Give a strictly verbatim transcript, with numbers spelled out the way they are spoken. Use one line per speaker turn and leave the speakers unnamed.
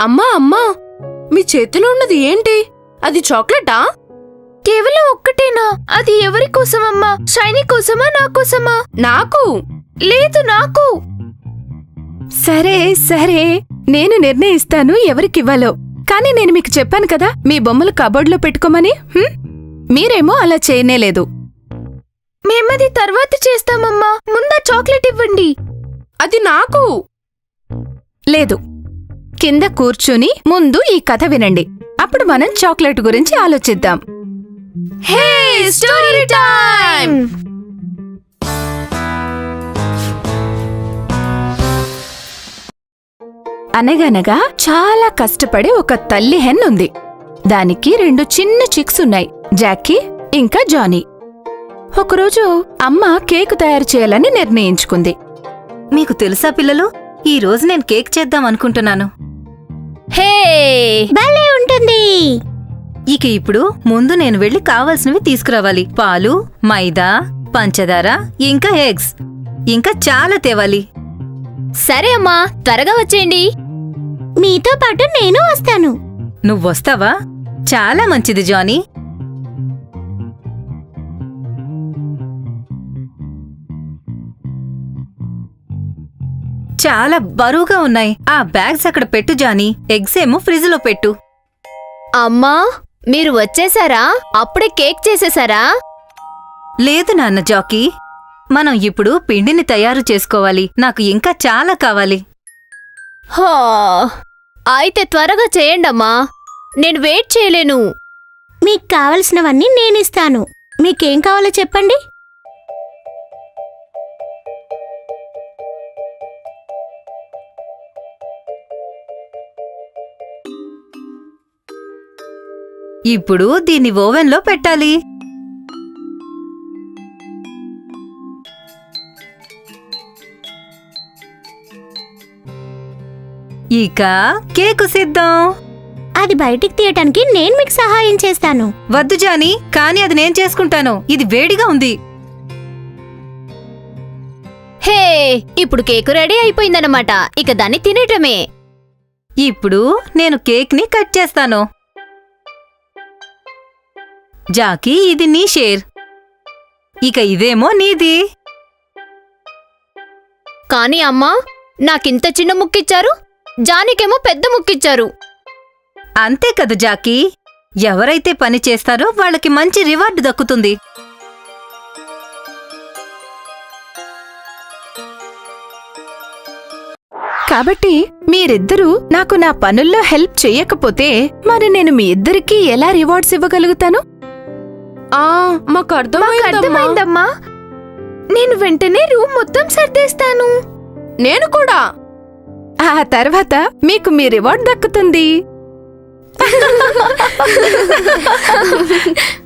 అమ్మా అమ్మా, మీ చేతిలో ఉన్నది ఏంటి? అది చాక్లెటా?
కేవలం ఒక్కటేనా? అది ఎవరి కోసమమ్మా? షైనీ కోసమా, నా కోసమా?
నాకు.
లేదు, నాకు.
సరే సరే, నేను నిర్ణయిస్తాను ఎవరికివ్వాలో. కానీ నేను మీకు చెప్పాను కదా మీ బొమ్మలు కబోర్డ్లో పెట్టుకోమని. హ్మ్? మీరేమో అలా చేయనేలేదు.
మేమది తర్వాత చేస్తామమ్మా. ముందా చాక్లెట్ ఇవ్వండి.
అది నాకు.
లేదు, కింద కూర్చుని ముందు ఈ కథ వినండి. అప్పుడు మనం చాక్లెట్ గురించి ఆలోచిద్దాం.
Hey, story time!
అనగనగా చాలా కష్టపడే ఒక తల్లి హెన్ ఉంది. దానికి రెండు చిన్న చిక్స్ ఉన్నాయి, జాకీ ఇంకా జానీ. ఒకరోజు అమ్మ కేకు తయారు చేయాలని నిర్ణయించుకుంది.
మీకు తెలుసా పిల్లలు, ఈ రోజు నేను కేక్ చేద్దాం అనుకుంటున్నాను.
హే,
భలే ఉంటుంది.
ఇక ఇప్పుడు ముందు నేను వెళ్లి కావాల్సినవి తీసుకురావాలి. పాలు, మైదా, పంచదార, ఇంకా ఎగ్స్, ఇంకా చాలా తేవాలి.
సరే అమ్మా, త్వరగా వచ్చేయండి.
మీతో పాటు నేను వస్తాను.
నువ్వొస్తావా? చాలా మంచిది జానీ. చాలా బరువుగా ఉన్నాయి. ఆ బ్యాగ్స్ అక్కడ పెట్టు జానీ. ఎగ్స్ ఏమో ఫ్రిజ్ లో పెట్టు.
అమ్మా, మీరు వచ్చేసారా? అప్పుడే కేక్ చేసేసారా?
లేదు నాన్న జాకీ, మనం ఇప్పుడు పిండిని తయారు చేసుకోవాలి. నాకు ఇంకా చాలా కావాలి.
హో, అయితే త్వరగా చేయండమ్మా, నేను వెయిట్ చేయలేను.
మీకు కావలసినవన్నీ నేనిస్తాను. మీకేం కావాలో చెప్పండి.
ఇప్పుడు దీన్ని ఓవెన్లో పెట్టాలి. ఇక కేకు సిద్ధం.
అది బయటికి తీయటానికి నేను మీకు సహాయం చేస్తాను.
వద్దు జానీ, కానీ అది నేను చేసుకుంటాను. ఇది వేడిగా ఉంది.
హే, ఇప్పుడు కేకు రెడీ అయిపోయిందన్నమాట. ఇక దాన్ని తినేయటమే.
ఇప్పుడు నేను కేక్ని కట్ చేస్తాను. జాకీ, ఇది నీ షేర్. ఇక ఇదేమో నీది.
కానీ అమ్మా, నాకింత చిన్న ముక్కిచ్చారు, జానీకేమో పెద్ద ముక్కిచ్చారు.
అంతే కదా జాకీ, ఎవరైతే పని చేస్తారో వాళ్ళకి మంచి రివార్డు దక్కుతుంది.
కాబట్టి మీరిద్దరూ నాకు నా పనుల్లో హెల్ప్ చెయ్యకపోతే మరి నేను మీ ఇద్దరికీ ఎలా రివార్డ్స్ ఇవ్వగలుగుతాను?
ఆ మాకు
మాకు
అర్థమైందమ్మా.
అర్థమైందమ్మా. నేను వెంటనే రూమ్ మొత్తం సర్దేస్తాను.
నేను కూడా.
ఆ తర్వాత మీకు మీ రివార్డ్ దక్కుతుంది.